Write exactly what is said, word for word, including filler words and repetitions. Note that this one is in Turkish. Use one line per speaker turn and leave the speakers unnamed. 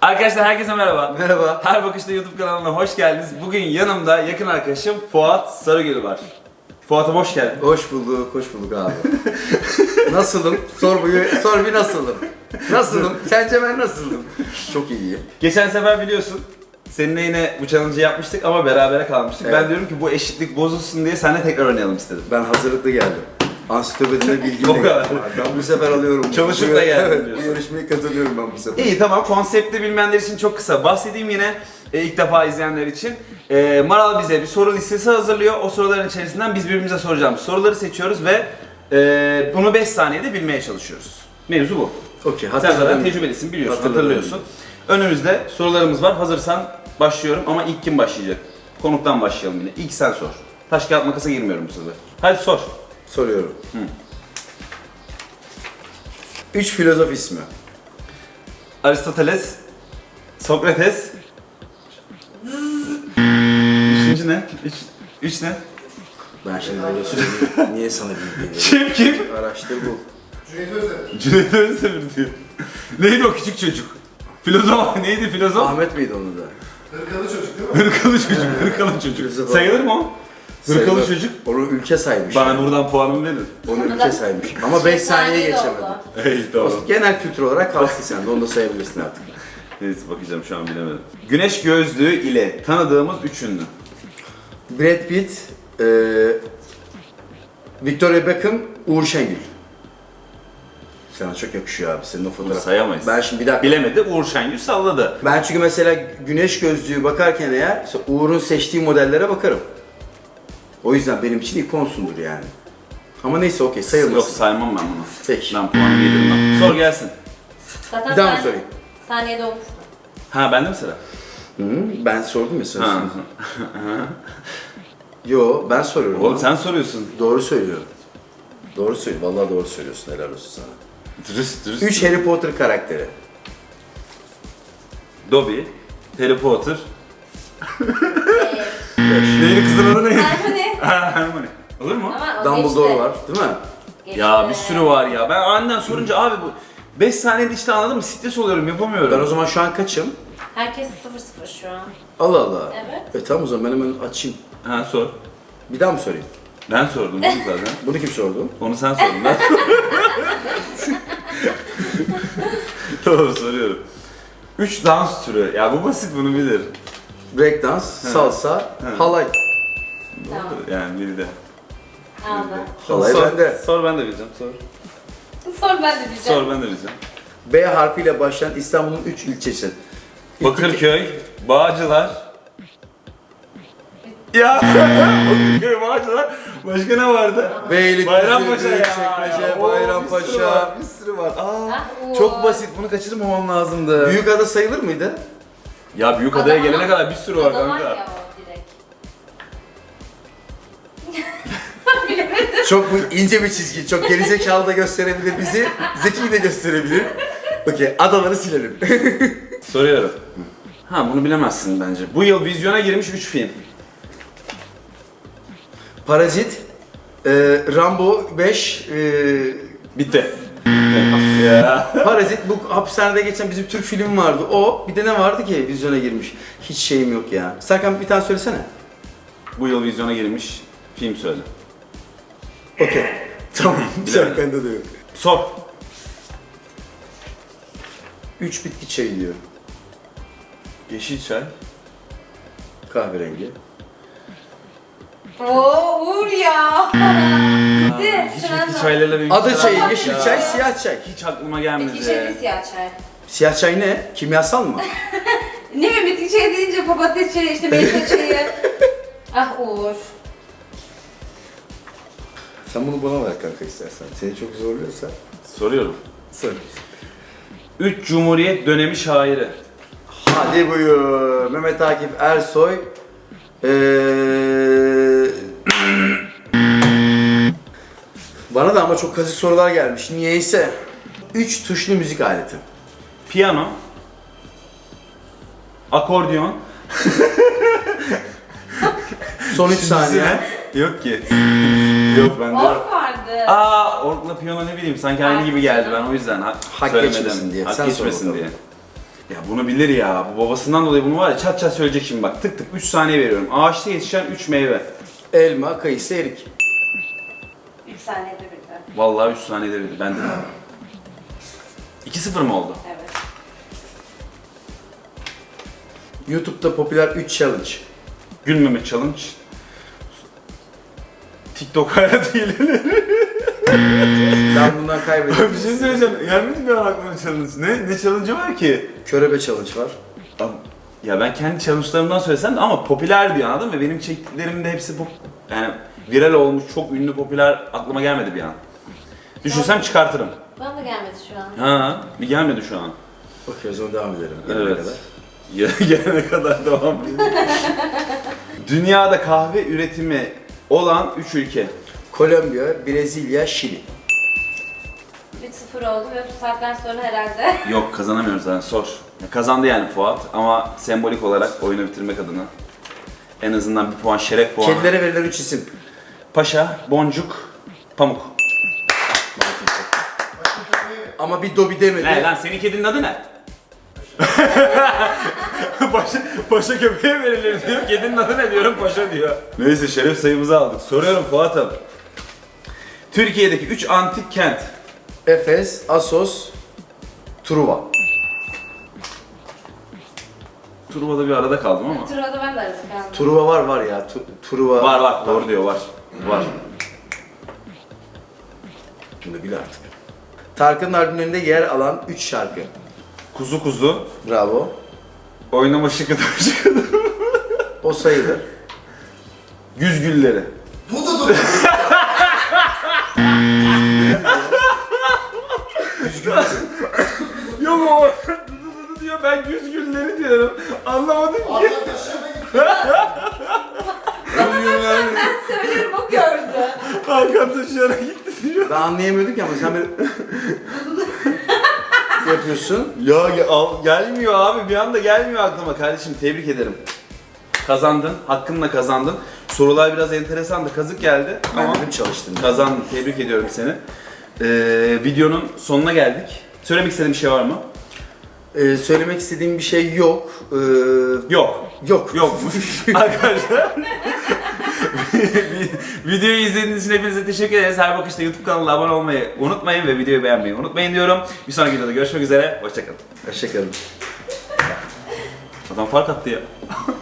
Arkadaşlar herkese merhaba.
Merhaba.
Her Bakışta YouTube kanalına hoş geldiniz. Bugün yanımda yakın arkadaşım Fuat Sarıgül var. Fuat'a hoş geldin.
Hoş bulduk, hoş bulduk abi. Nasılım? Sor bir, sor bir nasılım? Nasılım? Sence ben nasılım? Çok iyiyim.
Geçen sefer biliyorsun seninle yine bu challenge'ı yapmıştık ama berabere kalmıştık.
Evet.
Ben diyorum ki bu eşitlik bozulsun diye seninle tekrar oynayalım istedim.
Ben hazırlıklı geldim. Ansiklopedide bilgim
O
de
kadar.
geldim. Ben bu sefer alıyorum.
Çalışıp
Bu-
da geldin
Evet, bu
diyorsun.
yarışmaya katılıyorum ben bu sefer.
İyi tamam, konsepti bilmeyenler için çok kısa bahsedeyim yine e, ilk defa izleyenler için. E, Maral bize bir soru listesi hazırlıyor. O soruların içerisinden biz birbirimize soracağımız soruları seçiyoruz ve e, bunu beş saniyede bilmeye çalışıyoruz. Mevzu bu.
Okey,
Sen zaten
hatırladım.
tecrübelisin, biliyorsun,
Hatırladım.
hatırlıyorsun. Önümüzde sorularımız var. Hazırsan başlıyorum ama ilk kim başlayacak? Konuktan başlayalım yine. İlk sen sor. Taş kağıt makasa girmiyorum bu sefer. Hadi sor.
Soruyorum. Üç filozof ismi.
Aristoteles, Sokrates. Üçüncü ne? Üç, üç ne?
Ben şimdi böyle söyleyeyim. Niye sana bilgi veriyorum?
Kim kim?
Araştır bul.
Cüneyt Özdemir diyor. Neydi o küçük çocuk? Filozof neydi filozof?
Ahmet miydi onu da?
Hırkalı çocuk değil mi?
Hırkalı çocuk, hırkalı çocuk.
Filozof.
Sayılır mı o? Hırkalı
Sayılır.
çocuk.
Onu ülke saymış.
Bana
yani.
buradan puanımı verin.
Onu ülke saymış. Ama beş saniye geçemedi.
Hey tamam.
Genel kültür olarak kalsın sen de, onu da sayabilirsin artık.
Neyse bakacağım, şu an bilemedim. Güneş gözlüğü ile tanıdığımız üç ünlü.
Brad Pitt, e, Victoria Beckham, Uğur Şengül. Sana çok yakışıyor abi senin o
Bunu
fotoğraf.
sayamayız.
Ben şimdi bir dakika.
Bilemedi, Uğur Şengül salladı.
Ben çünkü mesela güneş gözlüğü bakarken eğer mesela Uğur'un seçtiği modellere bakarım. O yüzden benim için ikonsundur yani. Ama neyse okey
Yok,
sayılmasın.
saymam ben bunu.
Peki.
Ben puanımı yedirmem. Sor gelsin.
Zaten
Bir daha mı
saniye-
sorayım?
Saniyede olmuştu.
Ha bende mi sıra?
Hı, ben sordum ya
Ha.
sana. Yo ben soruyorum.
Oğlum sen soruyorsun.
Doğru söylüyorum. Doğru söylüyor. Vallahi doğru söylüyorsun. Helal olsun sana.
Dürüst dürüst.
Üç Harry Potter karakteri.
Dobby, Harry Potter.
Ee,
Neydi kızın adı neydi?
Hermione.
Ha, Hermione. Olur mu?
Ama o
Dumbledore
geçti.
var değil mi?
Geçti.
Ya bir sürü var ya. Ben aniden sorunca abi bu beş saniyede işte anladın mı? Stres oluyorum, yapamıyorum.
Ben o zaman şu an kaçım?
Herkes sıfır sıfır şu an.
Allah Allah.
Evet.
E tamam o zaman ben hemen açayım.
Ha sor.
Bir daha mı sorayım?
Ben sordum bunu zaten.
Bunu kim sordu?
Onu sen sordun ben. Tamam soruyorum. Üç dans türü. Ya bu basit, bunu bilir.
Breakdance, salsa, halay.
Tamam.
Yani biri de.
Aldı.
Halay
sor,
bende.
Sor ben de bileceğim. Sor.
Sor ben de diyeceğim.
Sor ben de bileceğim.
B harfiyle başlayan İstanbul'un üç ilçesi.
Bakırköy, Bağcılar. Ya Bakırköy, Bağcılar. Başka ne vardı?
Beylikdüzü,
Bayrampaşa ya.
Büyükçekmece,
Oo, Bir sürü
Bayrampaşa.
var, bir sürü var. Aa,
Ah, oo.
çok basit. Bunu kaçırmamam lazımdı.
Büyükada sayılır mıydı?
Ya Büyükada'ya
Adana-
gelene kadar bir sürü var
Adana
kanka.
ya o direkt.
Çok bu ince bir çizgi. Çok gerizekalı da gösterebilir bizi. Zeki de gösterebilir. Okey, adaları silelim.
Soruyorum. Ha bunu bilemezsin bence. Bu yıl vizyona girmiş üç film.
Parazit, e, Rambo beş, e,
Bitti. Bitti. Ya.
Parazit bu hapishanede geçen bizim Türk filmi vardı. O bir de ne vardı ki vizyona girmiş. Hiç şeyim yok ya. Serkan bir tane söylesene.
Bu yıl vizyona girmiş film söyle.
Okey. Tamam. Serkan'da da yok.
Sor.
Üç bitki çayı diyor.
Yeşil çay.
Kahverengi.
Oo Uğur ya. Bitti.
Hiç
Sıra
bitki çaylarıyla benim
Ada
hiç
çayı,
alakam
yeşil
yok
çay,
ya.
siyah çay.
Hiç aklıma
Bitki
gelmedi.
çayı siyah çay.
Siyah çay ne? Kimyasal mı?
Ne mi bitki çayı deyince papatya çayı, işte meyve çayı. Ah Uğur.
Sen bunu bana ver kanka istersen. Seni çok zorluyorsa.
Soruyorum.
Sor.
Üç Cumhuriyet dönemi şairi.
Hadi buyur. Mehmet Akif Ersoy. Ee... Bana da ama çok kazık sorular gelmiş. Niyeyse. Üç tuşlu müzik aleti.
Piyano. Akordeon.
Son üç saniye.
Yok ki. Yok bende.
Ork vardı.
Aa, orkla piyano ne bileyim sanki aynı gibi geldi, ben o yüzden ha,
Hak
söylemedim.
geçmesin diye.
Hak
Sen sor
geçmesin
bakalım.
diye. Ya bunu bilir ya. Bu babasından dolayı bunu var ya çat çat söyleyecek şimdi bak. Tık tık üç saniye veriyorum. Ağaçta yetişen üç meyve.
Elma, kayısı, erik.
üç saniyede bildi.
Vallahi üç saniyede bildi. Ben de. iki sıfır mı oldu?
Evet.
YouTube'da popüler üç challenge.
Gülmeme challenge. TikTok hayat hileleri.
Ben bundan kaybettim.
Bir şey söyleyeceğim. Gelmedi mi aklıma challenge? Ne? Ne challenge'ı var ki?
Körebe challenge var.
Abi, ya ben kendi challenge'larımdan söylesem de ama popüler diyor anladın mı? Benim çektiklerimin de hepsi pop, yani viral olmuş, çok ünlü, popüler aklıma gelmedi bir an. Düşünsem çıkartırım.
Bana da gelmedi şu an.
Ha, bir gelmedi şu an.
Okey o zaman devam edelim. Gelene
Evet.
kadar.
Ya, gelene kadar devam edelim. Dünyada kahve üretimi olan üç ülke.
Kolombiya, Brezilya, Şili.
üç sıfır oldu ve bu saatten sonra herhalde.
Yok kazanamıyoruz zaten sor. Ya, kazandı yani Fuat ama sembolik olarak oyunu bitirmek adına. En azından bir puan şeref puanı.
Kedilere verilen üç isim.
Paşa, Boncuk, Pamuk.
Ama bir dobi demedi.
Ne lan senin kedinin adı ne? paşa, paşa köpeğe verilir diyor. Kedinin adı ne diyorum paşa diyor. Neyse şeref sayımızı aldık. Soruyorum Fuat'ım. Türkiye'deki üç antik kent.
Efes, Assos, Truva.
Truva'da bir arada kaldım ama.
Turada ben de aradım kaldım.
Truva var var ya. Tu- Truva.
Var var doğru diyor var. Var.
Bunu bil artık. Tarkan'ın albümlerinde yer alan üç şarkı.
Kuzu kuzu.
Bravo.
Oynama şıkıdı şıkıdı.
O sayılır.
Güz gülleri. Yok o diyor ben güz gülleri diyorum. Anlamadım ki.
Ben söylüyorum o gördü.
Hakan taşıyarak gitti diyor.
Ben anlayamıyordum ki ama sen böyle yapıyorsun.
Ya ge- al- gelmiyor abi bir anda gelmiyor aklıma kardeşim tebrik ederim. Kazandın, hakkınla kazandın. Sorular biraz enteresandı, kazık geldi
Ben
ama
dedim çalıştım.
kazandın, tebrik ediyorum seni. Ee, videonun sonuna geldik. Söylemek istediğin bir şey var mı?
Ee, söylemek istediğim bir şey yok. Ee,
Yok.
yok.
Yok. Arkadaşlar. Videoyu izlediğiniz için hepinize teşekkür ederiz. Her bakışta YouTube kanalına abone olmayı unutmayın ve videoyu beğenmeyi unutmayın diyorum. Bir sonraki videoda görüşmek üzere. Hoşçakalın.
Hoşçakalın.
Adam fark attı ya.